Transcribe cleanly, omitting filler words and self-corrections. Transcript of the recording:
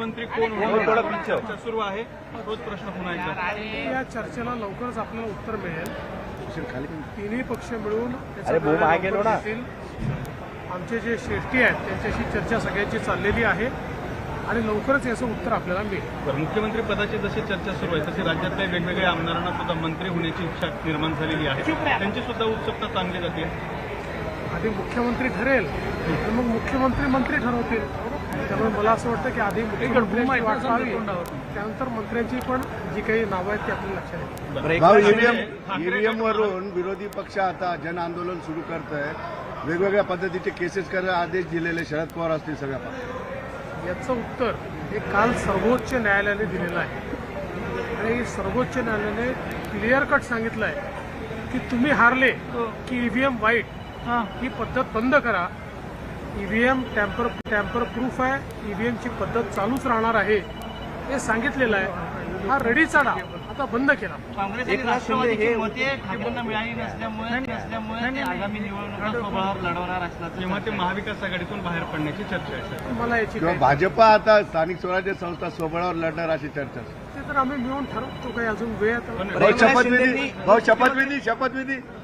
मुख्यमंत्री कोण होणार चर्चा सुरू आहे. तोच प्रश्न पुन्हा एकदा. या चर्चेला लवकरच आपल्याला उत्तर मिळेल. तिन्ही पक्ष मिळून आमचे जे श्रेष्ठी आहेत त्यांच्याशी चर्चा सगळ्यांची चाललेली आहे आणि लवकरच याचं उत्तर आपल्याला मिळेल. मुख्यमंत्री पदाची जशी चर्चा सुरू आहे तशी राज्यातल्या वेगवेगळ्या आमदारांना सुद्धा मंत्री होण्याची इच्छा निर्माण झालेली आहे. त्यांची सुद्धा उत्सुकता चांगली जाते. आधी मुख्यमंत्री ठरेल तर मग मुख्यमंत्री मंत्री ठरवतील. त्यामुळे मला असं वाटतं की आधी मुख्यमंत्र्यांची वाट पाहावी, त्यानंतर मंत्र्यांची पण जी काही नावं आहेत ती आपल्याला लक्षात येईल. ईव्हीएम वरून विरोधी पक्ष आता जन आंदोलन सुरू करत आहे. वेगवेगळ्या पद्धतीचे केसेस करायला आदेश दिलेले शरद पवार असतील सगळ्या पक्षात. याचं उत्तर हे काल सर्वोच्च न्यायालयाने दिलेलं आहे आणि सर्वोच्च न्यायालयाने क्लिअर कट सांगितलं आहे की तुम्ही हारले की ईव्हीएम वाईट ही पद्धत बंद करा. ईव्हीएम टॅम्पर प्रूफ आहे. ईव्हीएमची पद्धत चालूच राहणार आहे हे सांगितलेलं आहे. हा रडीचा डाव आता बंद केला. काँग्रेस आणि राष्ट्रवादीची मते ठाकरेंना मिळाली नसल्यामुळे आगामी निवडणुका स्वबळावर लढवणार असल्याचं तेव्हा ते महाविकास आघाडीतून बाहेर पडण्याची चर्चा आहे. मला याची किंवा भाजपा आता स्थानिक स्वराज्य संस्था स्वबळावर लढणार अशी चर्चा. ते तर आम्ही मिळून ठरवतो. काही अजून वेळ शपथविधी